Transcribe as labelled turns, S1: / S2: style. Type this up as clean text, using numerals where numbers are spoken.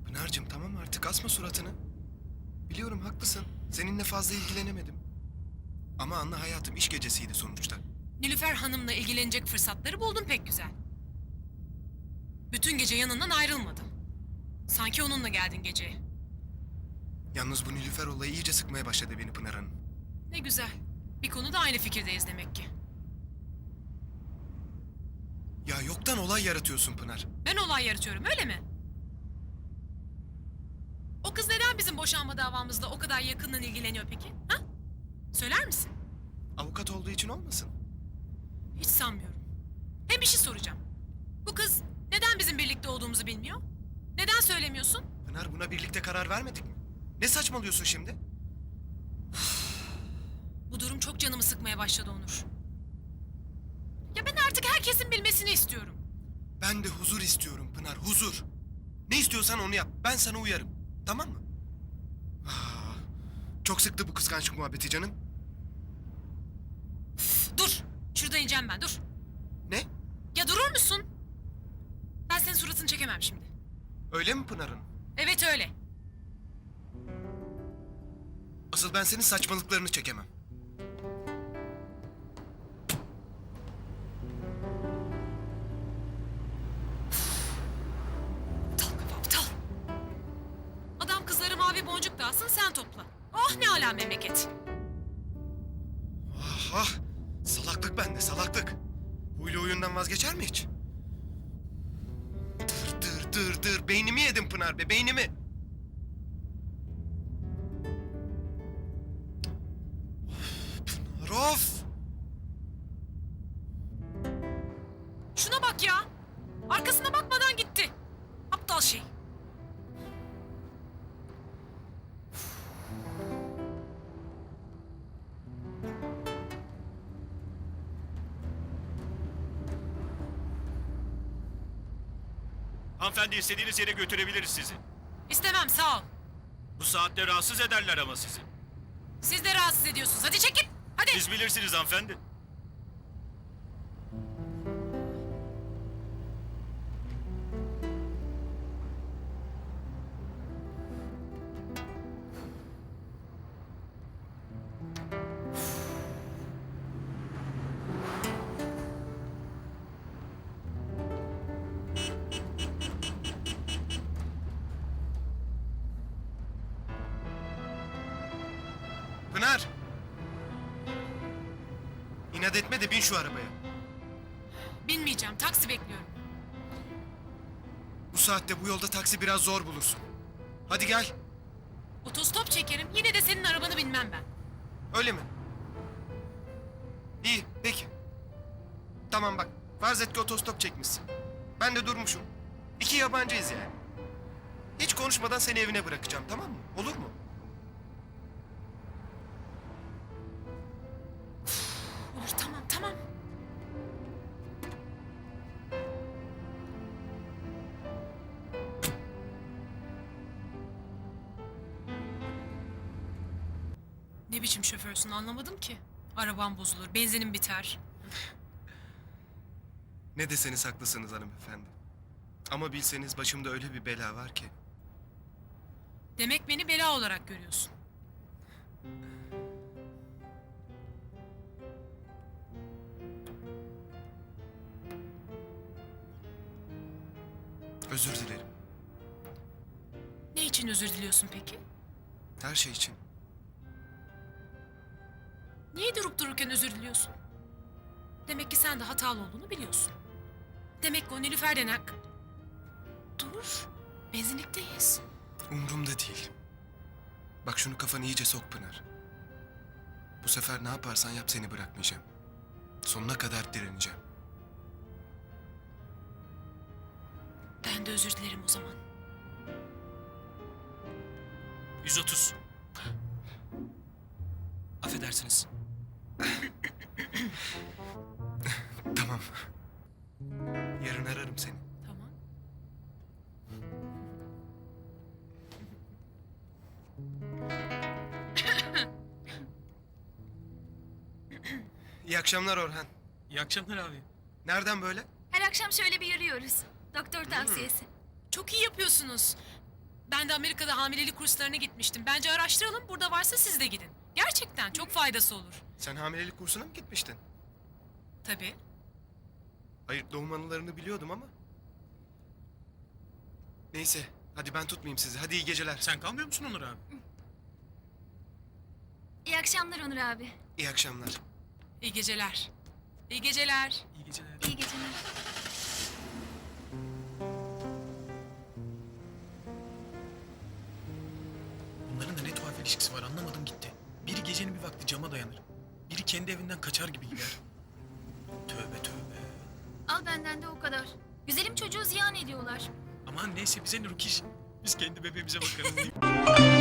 S1: Pınar'cığım tamam artık asma suratını. Biliyorum haklısın. Seninle fazla ilgilenemedim. Ama anla hayatım, iş gecesiydi sonuçta.
S2: Nilüfer Hanım'la ilgilenecek fırsatları buldun pek güzel. Bütün gece yanından ayrılmadın. Sanki onunla geldin geceye.
S1: Yalnız bu Nilüfer olayı iyice sıkmaya başladı beni Pınar Hanım.
S2: Ne güzel. Bir konuda aynı fikirdeyiz demek ki.
S1: Ya yoktan olay yaratıyorsun Pınar.
S2: Ben olay yaratıyorum öyle mi? O kız neden bizim boşanma davamızla o kadar yakından ilgileniyor peki? Ha? Söyler misin?
S1: Avukat olduğu için olmasın?
S2: Hiç sanmıyorum. Hem bir şey soracağım. Bu kız neden bizim birlikte olduğumuzu bilmiyor? Neden söylemiyorsun?
S1: Pınar, buna birlikte karar vermedik mi? Ne saçmalıyorsun şimdi?
S2: Bu durum çok canımı sıkmaya başladı Onur. Ya ben artık herkesin bilmesini istiyorum.
S1: Ben de huzur istiyorum Pınar, huzur. Ne istiyorsan onu yap. Ben sana uyarım. Tamam mı? Ah, çok sıktı bu kıskançlık muhabbeti canım.
S2: Dur. Şurada ineceğim ben dur.
S1: Ne?
S2: Ya durur musun? Ben senin suratını çekemem şimdi.
S1: Öyle mi Pınar'ın?
S2: Evet öyle.
S1: Asıl ben senin saçmalıklarını çekemem.
S2: Aptal kafa aptal. Adam kızları mavi boncuk dağılsın sen topla. Oh ne ala memleket.
S1: Ah ah! Salaklık bende, salaklık. Huylu oyundan vazgeçer mi hiç? Dır. Beynimi yedin Pınar be, beynimi. Pınar of!
S2: Şuna bak ya. Arkasına bakmadan gitti. Aptal şey.
S3: Hanımefendi istediğiniz yere götürebiliriz sizi.
S2: İstemem sağ ol.
S3: Bu saatte rahatsız ederler ama sizi.
S2: Siz de rahatsız ediyorsunuz. Hadi çekil. Hadi.
S3: Siz bilirsiniz hanımefendi.
S1: Pınar! İnat etme de bin şu arabaya.
S2: Binmeyeceğim. Taksi bekliyorum.
S1: Bu saatte bu yolda taksi biraz zor bulursun. Hadi gel.
S2: Otostop çekerim. Yine de senin arabanı binmem ben.
S1: Öyle mi? İyi, peki. Tamam bak, farz et ki otostop çekmişsin. Ben de durmuşum. İki yabancıyız yani. Hiç konuşmadan seni evine bırakacağım, tamam mı? Olur mu?
S2: Olur tamam tamam. Ne biçim şoförsün anlamadım ki. Arabam bozulur, benzinim biter.
S1: Ne deseniz haklısınız hanımefendi. Ama bilseniz başımda öyle bir bela var ki.
S2: Demek beni bela olarak görüyorsun.
S1: Özür dilerim.
S2: Ne için özür diliyorsun peki?
S1: Her şey için.
S2: Niye durup dururken özür diliyorsun? Demek ki sen de hatalı olduğunu biliyorsun. Demek ki o Nilüfer denen... Dur, benzinlikteyiz.
S1: Umrumda değil. Bak şunu kafanı iyice sok Pınar. Bu sefer ne yaparsan yap seni bırakmayacağım. Sonuna kadar direneceğim.
S2: Ben de özür dilerim o zaman.
S3: 130.
S4: Affedersiniz.
S1: Tamam. Yarın ararım seni.
S2: Tamam.
S1: İyi akşamlar Orhan.
S4: İyi akşamlar abi.
S1: Nereden böyle?
S5: Her akşam şöyle bir yürüyoruz. Doktor tavsiyesi.
S2: Çok iyi yapıyorsunuz. Ben de Amerika'da hamilelik kurslarına gitmiştim. Bence araştıralım. Burada varsa siz de gidin. Gerçekten çok faydası olur.
S1: Sen hamilelik kursuna mı gitmiştin?
S2: Tabii.
S1: Hayır, doğum anılarını biliyordum ama. Neyse, hadi ben tutmayayım sizi. Hadi iyi geceler.
S4: Sen kalmıyor musun Onur abi?
S5: İyi akşamlar Onur abi.
S1: İyi akşamlar.
S2: İyi geceler. İyi geceler.
S4: İyi geceler.
S5: İyi geceler.
S4: Bunların da ne tuhaf ilişkisi var anlamadım gitti. Biri gecenin bir vakti cama dayanır. Biri kendi evinden kaçar gibi gider. Tövbe tövbe.
S5: Al benden de o kadar. Güzelim çocuğu ziyan ediyorlar.
S4: Aman neyse bize ne Rukiş. Biz kendi bebeğimize bakarız.